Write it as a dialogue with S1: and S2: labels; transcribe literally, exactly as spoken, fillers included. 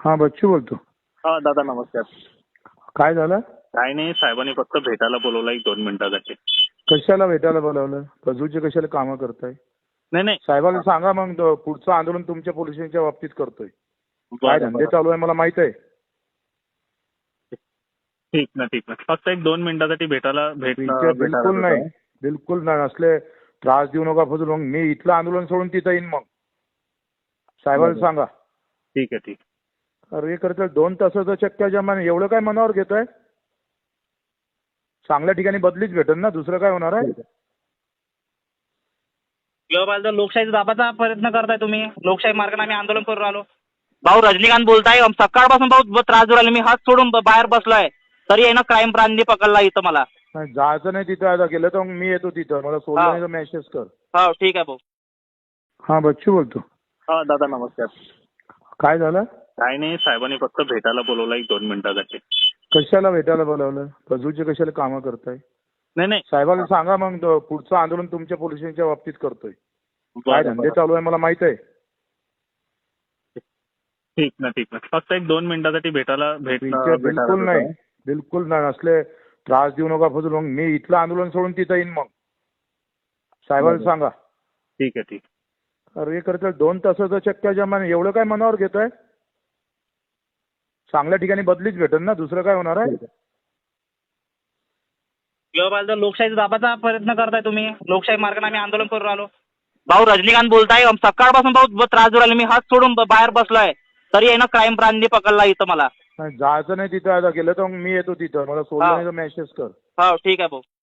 S1: हा बच्चू बोलतो.
S2: हा दादा नमस्कार.
S1: काय झालं?
S2: काय नाही, साहेबांनी फक्त भेटायला बोलवलं एक दोन मिनिटासाठी.
S1: कशाला भेटायला बोलावलं? फजूचे कशाला कामं करताय?
S2: नाही नाही
S1: साहेबांना सांगा मग तो पुढचं आंदोलन तुमच्या पोलीस स्टेशनच्या बाबतीत करतोय. काय
S2: बरं,
S1: धंदे
S2: बरं.
S1: चालू आहे मला माहित आहे.
S2: ठीक ना ठीक ना फक्त एक दोन मिनिटासाठी भेटायला भेट
S1: बिलकुल
S2: भेटायला
S1: बिलकुल नाही,
S2: होतं.
S1: बिलकुल नाही. असले त्रास देऊ नका फजूल. मग मी इथलं आंदोलन सोडून तिथं येईन. मग साहेबांना
S2: बरं.
S1: सांगा.
S2: ठीक आहे ठीक.
S1: अरे करता दोन तासाचं चक्क्या जमान एवढं काय मनावर घेताय? चांगल्या ठिकाणी बदलीच भेटेल ना, दुसरं काय होणार आहे?
S3: किंवा लोकशाही दाबाचा प्रयत्न करताय तुम्ही. लोकशाही मार्गाने आम्ही आंदोलन करून राहिलो. भाऊ रजनीकांत बोलताय. सकाळपासून भाऊ त्रास देऊ राहिले. मी हात सोडून ब- बाहेर बसलोय तरी आहे ना क्राईम ब्रांचने पकडला इथं मला.
S1: नाही, जायचं नाही तिथं. आता गेलं तर मग मी येतो तिथं. मला सोडलं
S3: हा.
S1: नाही तर मेसेज कर.
S3: हो ठीक आहे भाऊ.
S1: हा बच्चू बोलतो.
S2: हा दादा नमस्कार.
S1: काय झालं?
S2: काय नाही, साहेबांनी फक्त भेटायला बोलवलं एक दोन मिनिटासाठी.
S1: कशाला भेटायला बोलावलं? फजूचे कशाला कामं करताय?
S2: नाही नाही
S1: साहेबांना सांगा मग तो पुढचं आंदोलन तुमच्या पोलीस स्टेशनच्या बाबतीत करतोय. काय
S2: बरं,
S1: धंदे
S2: बरं.
S1: चालू आहे मला माहित आहे.
S2: ठीक ना ठीक ना फक्त एक दोन मिनिटासाठी भेटायला भेट
S1: बिलकुल
S2: भेटायला
S1: बिलकुल नाही,
S2: होतं.
S1: बिलकुल नाही. असले त्रास देऊ नका फजूल. मग मी इथलं आंदोलन सोडून तिथं येईन. मग साहेबांना
S2: बरं.
S1: सांगा.
S2: ठीक आहे ठीक.
S1: अरे करता दोन तासाचं चक्क्या जमान एवढं काय मनावर घेताय? चांगल्या ठिकाणी बदलीच भेटेल ना, दुसरं काय होणार आहे?
S3: किंवा लोकशाही दाबाचा प्रयत्न करताय तुम्ही. लोकशाही मार्गाने आम्ही आंदोलन करून राहिलो. भाऊ रजनीकांत बोलताय. सकाळपासून भाऊ त्रास देऊ राहिले. मी हात सोडून ब- बाहेर बसलोय तरी आहे ना क्राईम ब्रांचने पकडला इथं मला.
S1: नाही, जायचं नाही तिथं. आता गेलं तर मग मी येतो तिथं. मला सोडलं
S3: हा.
S1: नाही तर मेसेज कर.
S3: हो ठीक आहे भाऊ.